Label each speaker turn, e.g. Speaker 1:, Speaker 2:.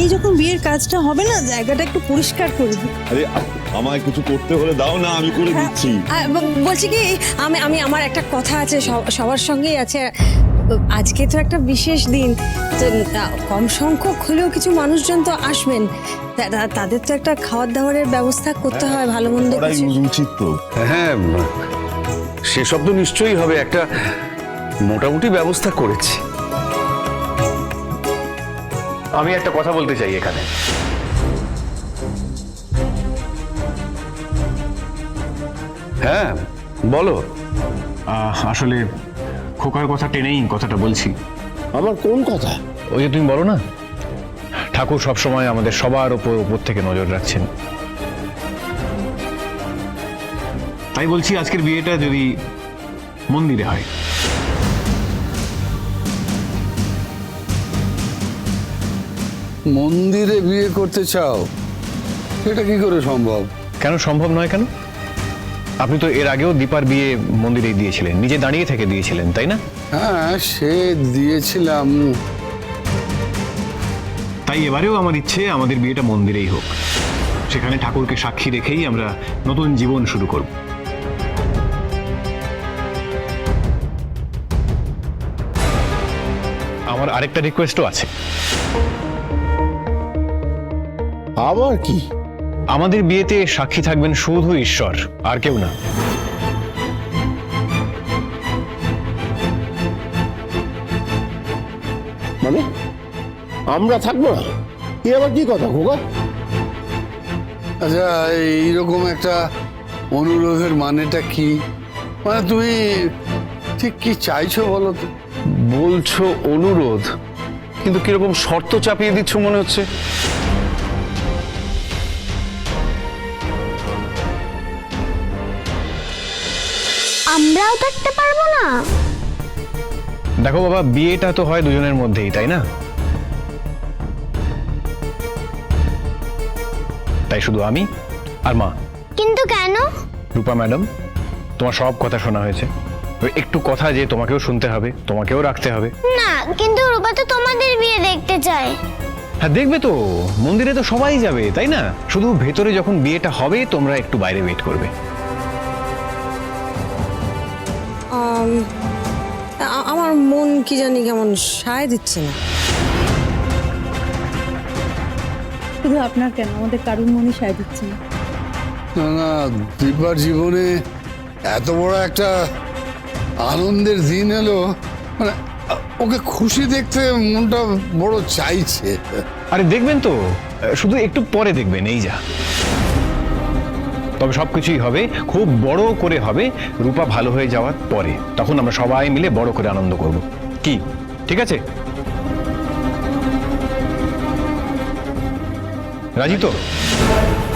Speaker 1: এই যখন বিয়ের কাজটা হবে না, জায়গাটা একটু পরিষ্কার করে দিই।
Speaker 2: আরে আমায় কিছু করতে হলে দাও না, আমি করে দিচ্ছি।
Speaker 1: বলছি কি, আমি আমি আমার একটা কথা আছে, সবার সঙ্গেই আছে। আজকে তো একটা বিশেষ দিন, তো কম সংখ্যক হলেও কিছু মানুষজন তো আসবেন, তাদের তো একটা খাওয়ার দাওয়ারের ব্যবস্থা করতে হয়, ভালো মন্দ কিছু।
Speaker 2: উচিত তো।
Speaker 3: হ্যাঁ, সেসব তো নিশ্চয়ই হবে, একটা মোটামুটি ব্যবস্থা করেছি। আমি একটা কথা বলতে চাই এখানে। হ্যাঁ বলো।
Speaker 4: আসলে খোকার কথা টেনেই কথাটা বলছি।
Speaker 5: আমার কোন কথা?
Speaker 4: ওই যে তুমি বলো না, ঠাকুর সবসময় আমাদের সবার উপর থেকে নজর রাখছেন, তাই বলছি আজকের বিয়েটা যদি মন্দিরে হয়।
Speaker 5: মন্দিরে বিয়ে করতে চাও? এটা কি করে সম্ভব?
Speaker 4: কেন সম্ভব নয় কেন? আপনি তো এর আগেও দীপার বিয়ে মন্দিরেই দিয়েছিলেন, নিজে দাঁড়িয়ে থেকে দিয়েছিলেন, তাই না?
Speaker 5: হ্যাঁ, সে দিয়েছিলাম।
Speaker 4: তাই এবারেও আমার ইচ্ছে আমাদের বিয়েটা মন্দিরেই হোক, সেখানে ঠাকুরকে সাক্ষী রেখেই আমরা নতুন জীবন শুরু করব। আমার আরেকটা রিকোয়েস্টও আছে।
Speaker 5: আবার কি?
Speaker 4: আমাদের বিয়েতে সাক্ষী থাকবেন শুধু ঈশ্বর, আর কেউ না।
Speaker 5: মানে আমরা থাকবো না? কি আবার কি কথা খোকা? আচ্ছা, এইরকম একটা অনুরোধের মানেটা কি? মানে তুমি ঠিক কি চাইছো বলো তো?
Speaker 3: বলছো অনুরোধ, কিন্তু কিরকম শর্ত চাপিয়ে দিচ্ছ মনে হচ্ছে।
Speaker 6: আমরাও থাকতে পারবো না?
Speaker 4: দেখো বাবা, বিয়েটা তো হয় দুজনের মধ্যেই, তাই না? তাই শুধু আমি আর মা।
Speaker 6: কিন্তু কেন?
Speaker 4: রূপা ম্যাডাম, তোমার সব কথা শোনা হয়েছে, একটু কথা যে তোমাকেও শুনতে হবে, তোমাকেও রাখতে হবে।
Speaker 6: না, কিন্তু রূপা তো তোমাদের বিয়ে দেখতে চায়।
Speaker 4: হ্যাঁ, দেখবে তো, মন্দিরে তো সবাই যাবে, তাই না? শুধু ভেতরে যখন বিয়েটা হবে তোমরা একটু বাইরে ওয়েট করবে।
Speaker 1: আমার মন কি জানি কেমন সায় দিচ্ছে না।
Speaker 7: শুধু আপনার কেন, আমাদের কারুর মনে সায় দিচ্ছে না।
Speaker 5: না না, দীপার জীবনে এত বড় একটা আনন্দের দিন এলো, মানে ওকে খুশি দেখতে মনটা বড় চাইছে।
Speaker 4: আরে দেখবেন তো, শুধু একটু পরে দেখবেন, এই যা। তবে সবকিছুই হবে, খুব বড় করে হবে, রূপা ভালো হয়ে যাওয়ার পরে। তখন আমরা সবাই মিলে বড় করে আনন্দ করব। কি ঠিক আছে? রাজি তো?